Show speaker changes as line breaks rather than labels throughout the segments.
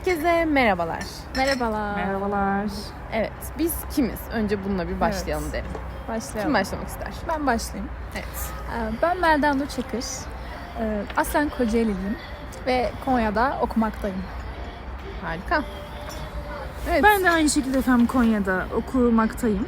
Herkese merhabalar.
Merhabalar.
Merhabalar.
Evet, biz kimiz? Önce bununla bir başlayalım derim.
Başlayalım.
Kim başlamak ister?
Ben başlayayım.
Evet.
Ben Melda Nur Çakır. Aslen Kocaeli'liyim ve Konya'da okumaktayım.
Harika. Evet.
Ben de aynı şekilde efendim Konya'da okumaktayım.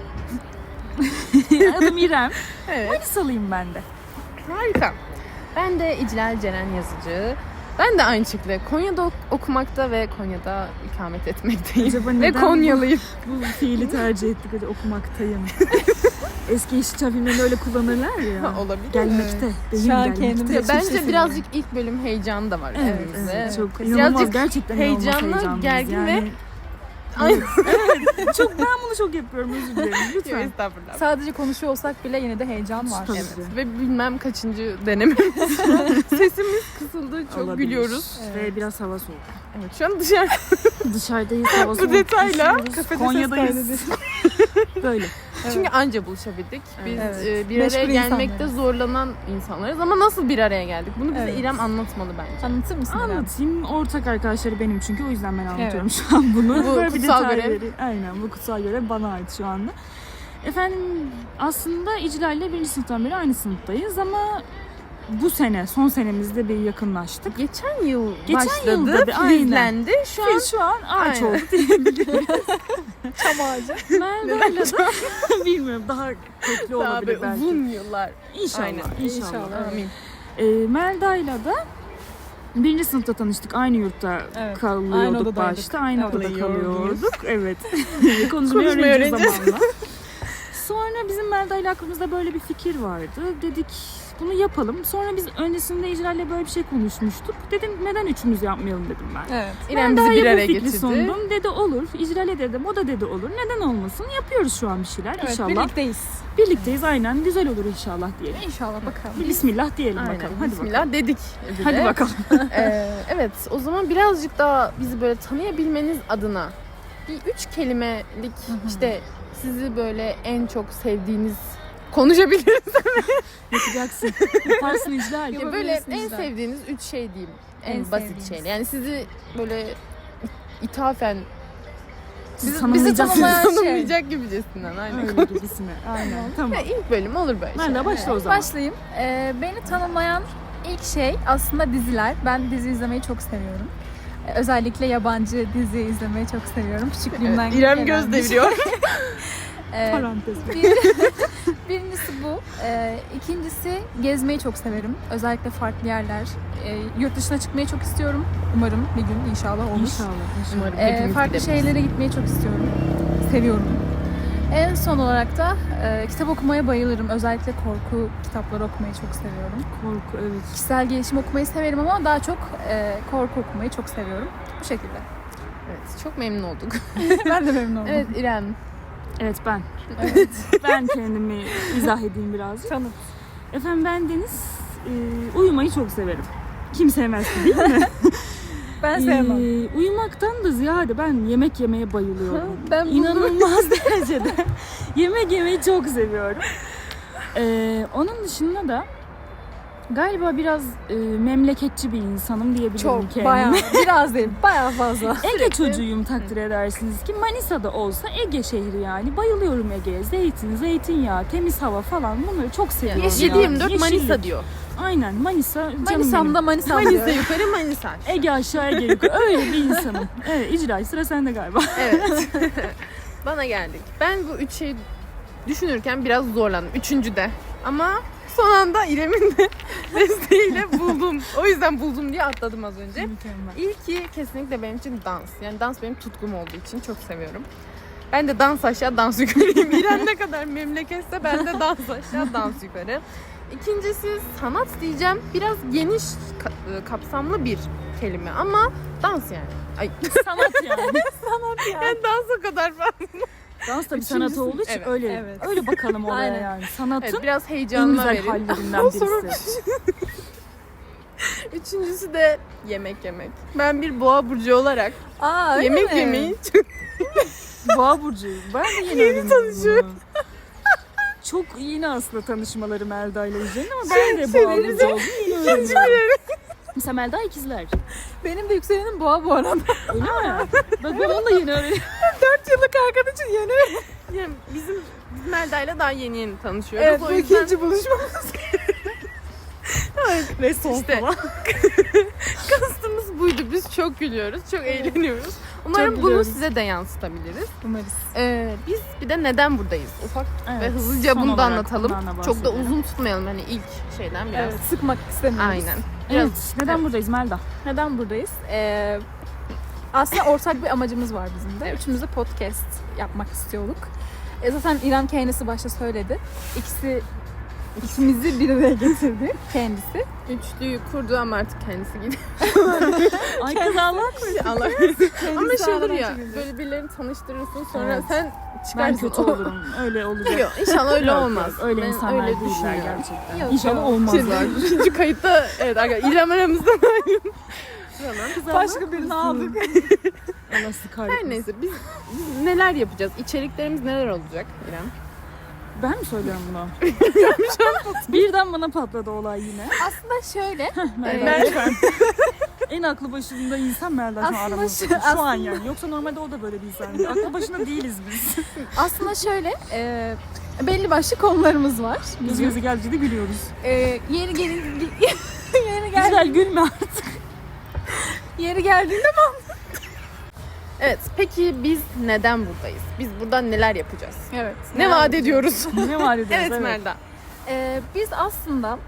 Adım İrem.
Evet.
Manisalıyım ben de.
Harika. Ben de İclal Ceren Yazıcı. Ben de aynı şekilde Konya'da okumakta ve Konya'da ikamet etmekteyim.
Acaba
Ve
neden
Konyalıyım.
Bu fiili tercih ettik, hadi okumaktayım. Eski Yeşilçam filmlerinde öyle kullanırlar ya.
Olabilir.
Gelmekte. Benim
Şu an
gelmekte.
kendimi-
Ya
Hiçbir
bence
şey
birazcık ilk bölüm heyecanı da var
Evet,
üzerimizde.
evet, çok
Birazcık
inanılmaz, gerçekten
heyecanlı,
inanılmaz heyecanlıyız.
gergin ve-
yani.
Aynen.
Evet, çok, ben bunu çok yapıyorum, özür dilerim
Yok,
lütfen.
estağfurullah.
Sadece konuşuyor olsak bile yine de heyecan var.
Tabii.
Evet. Ve bilmem kaçıncı denememiz. Sesimiz kısıldı, çok
Olabilir.
gülüyoruz.
Ve biraz hava soğuk.
Evet, şu an dışarı
Dışarıdayız, hava soğuk.
bu detayla
üşüyoruz.
kafede
Konya'dayız. Böyle.
çünkü anca buluşabildik. Biz
Evet.
bir araya
Meşgul
gelmekte
insanlarız.
zorlanan insanlarız ama nasıl bir araya geldik? Bunu bize
Evet.
İrem anlatmalı bence.
Anlatır mısın İrem?
Anlatayım. Ortak arkadaşları benim çünkü, o yüzden ben anlatıyorum şu an bunu.
Bu
Böyle bir
kutsal
detay
görev.
veri- Aynen, bu kutsal görev bana ait şu anda. Efendim aslında İclal ile 1. sınıftan beri aynı sınıftayız ama bu sene, son senemizde bir yakınlaştık.
Geçen yıl
Geçen
başladı,
yılda bir-
filizlendi. Şu an
Biz şu an ağaç
Aynen.
olduk diyebilirim.
Çam ağacı.
Melda'yla da bilmiyorum, daha köklü
daha
olabilir
böyle
belki.
uzun yıllar.
İnşallah,
Aynen.
inşallah.
İnşallah.
Amin.
Melda'yla da 1. sınıfta tanıştık. Aynı yurtta
Evet. Aynı
kalıyorduk
odadaydık.
başta. Aynı
Evet.
odada
Kalıyordunuz.
kalıyorduk. Evet. Konuşmayı
Konuşmayı
öğreneceğiz
öğreneceğiz.
zamanla. Sonra bizim Melda'yla aklımızda böyle bir fikir vardı. Dedik bunu yapalım. Sonra biz öncesinde İcral'le böyle bir şey konuşmuştuk. Dedim neden üçümüz yapmayalım dedim ben.
Evet.
İrem bizi
Melda'ya
bir
bu
araya
fikri
getirdi.
sundum. Dedi olur. İcral'e dedim. O da dedi olur. Neden olmasın? Yapıyoruz şu an bir şeyler
Evet,
inşallah.
birlikteyiz.
Birlikteyiz aynen. Güzel olur inşallah diyelim.
İnşallah bakalım.
Bir Bismillah diyelim
Aynen.
bakalım. Hadi
Bismillah
bakalım.
dedik. bir
Hadi
de.
bakalım.
Evet, o zaman birazcık daha bizi böyle tanıyabilmeniz adına bir 3 kelimelik işte sizi böyle en çok sevdiğiniz konuşabiliriz.
Yapacaksın. Yaparsın İclal.
Ya böyle
Yapabilirsiniz
en
de.
sevdiğiniz 3 şey diyeyim. En
En
basit
sevdiğiniz.
şeyler. Yani sizi böyle ithafen
Sizi
bizi
tanımlayacak.
tanımlayan şey.
tanımlayacak gibicesinden. Aynen.
Öyle gibisine. Aynen. Tamam.
Ya ilk bölüm olur böyle
Ben de
şeyler.
başla o zaman.
Başlayayım. Beni tanımlayan ilk şey aslında diziler. Ben dizi izlemeyi çok seviyorum. Özellikle yabancı dizi izlemeyi çok seviyorum. Küçüklüğümden
Evet, İrem
gelen
göz
bir şey.
deviriyor.
Parantez.
Birincisi bu. İkincisi gezmeyi çok severim. Özellikle farklı yerler. Yurt dışına çıkmayı çok istiyorum. Umarım bir gün inşallah olur.
İnşallah.
Umarım hepimiz
Farklı
gideriz.
şeylere gitmeyi çok istiyorum. Seviyorum. En son olarak da kitap okumaya bayılırım. Özellikle korku kitapları okumayı çok seviyorum.
Korku, evet.
Kişisel gelişim okumayı severim ama daha çok korku okumayı çok seviyorum. Bu şekilde.
Evet, çok memnun olduk.
Ben de memnun oldum.
Evet İrem.
Evet ben. Ben kendimi izah edeyim birazcık.
Tanıt.
Efendim ben Deniz. Uyumayı çok severim. Kim sevmez ki, değil mi?
Ben sevmem.
Uyumaktan da ziyade ben yemek yemeye bayılıyorum.
Ben bunu...
İnanılmaz derecede yemek yemeyi çok seviyorum. Onun dışında da galiba biraz memleketçi bir insanım diyebilirim
Çok,
kendime.
bayağı, biraz değil, bayağı fazla.
Ege çocuğuyum, takdir edersiniz ki Manisa'da olsa Ege şehri yani. Bayılıyorum Ege'ye. Zeytin, zeytinyağı, temiz hava falan, bunları çok seviyorum.
Yani
yani.
7-24 Manisa diyor.
Aynen, Manisa canım
Manisa'mda
benim.
Manisa
Manisa
diyor.
yukarı Manisa.
Ege aşağı Ege yukarı. Öyle bir insanım. Evet, İcra sıra sende galiba.
Evet. Bana geldik. Ben bu 3 şeyi düşünürken biraz zorlandım. Üçüncüde. Ama son anda İrem'in de desteğiyle buldum. O yüzden buldum diye atladım az önce.
Mükemmel.
İlki kesinlikle benim için dans. Yani dans benim tutkum olduğu için çok seviyorum. Ben de dans aşağı dans yukarıyım. İrem ne kadar memleketse ben de dans aşağı dans yukarı. İkincisi sanat diyeceğim. Biraz geniş kapsamlı bir kelime ama dans yani. Ay
Sanat yani.
yani dans o kadar falan.
Dans da bir
Üçüncüsü-
sanat olduğu için
evet,
öyle
evet.
öyle bakalım olaya
Aynen.
yani. Sanatın
Evet, biraz
en
heyecanla
güzel
verin.
hallerinden
Sonra-
birisi.
Üçüncüsü de yemek yemek. Ben bir boğa burcu olarak
Aa, öyle
yemek
mi?
yemeyi çok
Boğa burcuyum. Ben de yeni tanışıyorum. Çok yeni aslında tanışmaları Melda ile Yücel'in ama ben de boğa burcu oldum. Yeni öğreniyorum. Mesela Melda ikizler.
Benim de yükselenim boğa bu arada.
Öyle mi? Bak ben onu da yeni öğrendim.
4 yıllık arkadaşın yeni.
Yani biz Melda'yla daha yeni tanışıyoruz.
Evet,
o
bu
yüzden
ikinci buluşmamız.
Ve son
İşte.
falan.
kastımız buydu. Biz çok gülüyoruz, çok eğleniyoruz. Umarım
Çok
bunu
gülüyoruz.
size de yansıtabiliriz.
Umarız.
Biz bir de neden buradayız? Ufak ve
Evet,
hızlıca
son
bunu da
olarak
anlatalım.
bundan da
Çok da
bahsedelim.
uzun tutmayalım hani ilk şeyden biraz.
Evet, sıkmak istemiyoruz.
Aynen. Biraz
Evet. Neden buradayız Melda?
Neden buradayız? Aslında ortak bir amacımız var bizim de. Üçümüz de podcast yapmak istiyorduk. Zaten İrem kendisi başta söyledi. İkimizi bir araya getirdi kendisi.
üçlüyü kurdu ama artık kendisi gidiyor.
Ay kız Allah.
Allah ama şey olur ya,
ağlamak için.
böyle birilerini tanıştırırsın sonra
Evet.
sen
Ben
çıkarsın.
kötü olurum. Öyle olacak.
Yok, inşallah öyle
Yok,
olmaz.
yok. Öyle
Ben
insanlar
öyle
değiller
düşünüyorum.
gerçekten.
Yok,
İnşallah
yok.
olmazlar.
İkinci kayıtta evet arkadaşlar İrem aramızdan ayrıldı.
Başka birini aldık.
Allah sizi kahretmesin.
Her neyse biz neler yapacağız? İçeriklerimiz neler olacak İrem?
Ben mi söylüyorum bunu? Birden bana patladı olay yine.
Aslında şöyle.
Melda lütfen. En aklı başında insan Melda şu an
Aslında
aramızda.
şu-
Şu an yani. Yoksa normalde o da böyle bir insan. Aklı başında değiliz biz.
Aslında şöyle. Belli başlı konularımız var.
Göz göze geldikçe de gülüyoruz.
Yeri gelin yeri gel
Güzel gülme.
yeri geldiğinde
Evet peki biz neden buradayız? Biz burada neler yapacağız?
evet.
Ne vaat ediyoruz?
Ne var ediyoruz?
Evet Melda.
Biz aslında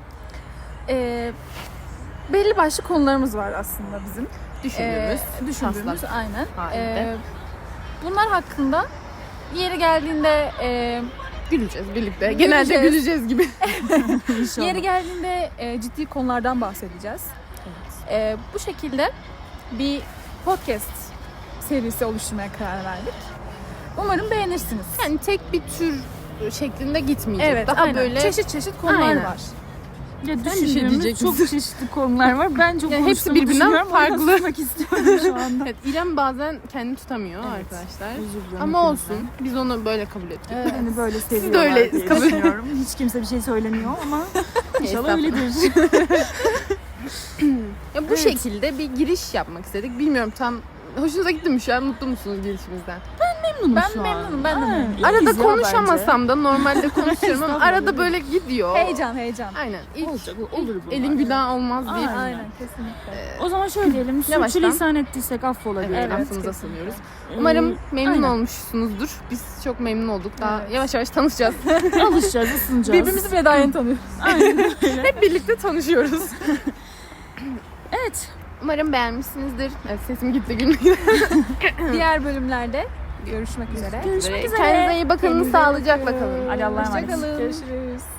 belli başlı konularımız var aslında bizim.
Düşündüğümüz.
Aynen.
halinde.
Bunlar hakkında yeri geldiğinde
Güleceğiz birlikte. Genelde güleceğiz gibi.
İnşallah.
yeri geldiğinde ciddi konulardan bahsedeceğiz. Bu şekilde bir podcast serisi oluşturmaya karar verdik. Umarım beğenirsiniz.
Yani tek bir tür şeklinde gitmeyecek.
Evet,
Daha
aynen.
böyle
çeşit konular
Aynen.
var.
Ya
bir şey
düşündüğümüz
diyecek
çok çeşitli konular var. Ben çok
Ya hepsi
konuştuğumu
birbirinden
düşünüyorum. O yüzden
farklı.
susmak istiyorum şu anda.
Evet, İrem bazen kendini tutamıyor
Evet.
arkadaşlar.
Özür dilerim
Ama
hepinizden.
olsun. Biz onu böyle kabul ettik.
Evet.
Beni böyle seviyorlar
öyle
diye
kabul-
düşünüyorum. Hiç kimse bir şey söylemiyor ama inşallah öyledir.
Ya bu
Evet.
şekilde bir giriş yapmak istedik. Bilmiyorum tam hoşunuza gitti mi şu an? Mutlu musunuz girişimizden?
Memnunum
Ben
şu an.
memnunum, ben de
Ha,
memnunum.
iyiyiz
Arada
ya
konuşamasam da normalde konuşuyorum ama
Estağfurullah.
arada böyle gidiyor.
Heyecan.
Aynen. İlk,
Olacak, olur bunlar.
elin günah olmaz deyip
Aynen.
Aynen kesinlikle.
bence. O zaman şöyle diyelim.
Yavaştan.
Sürçülisan ettiysek affola
evet,
diyelim.
aklımıza
kesinlikle.
sanıyoruz. Umarım memnun
aynen.
olmuşsunuzdur. Biz çok memnun olduk. Daha
Evet.
yavaş yavaş tanışacağız.
Alışacağız, ısınacağız.
Birbirimizi bile daha yeni tanıyoruz.
Aynen öyle.
Hep birlikte tanışıyoruz.
Evet.
Umarım beğenmişsinizdir. Evet, sesim gitti gülmekten.
Diğer bölümlerde görüşmek üzere.
Görüşmek üzere.
Kendinize iyi bakın.
Kendinize
Sağlıcakla
bakın.
kalın.
Hadi Allah'a emanet.
Hoşça kalın.
Görüşürüz.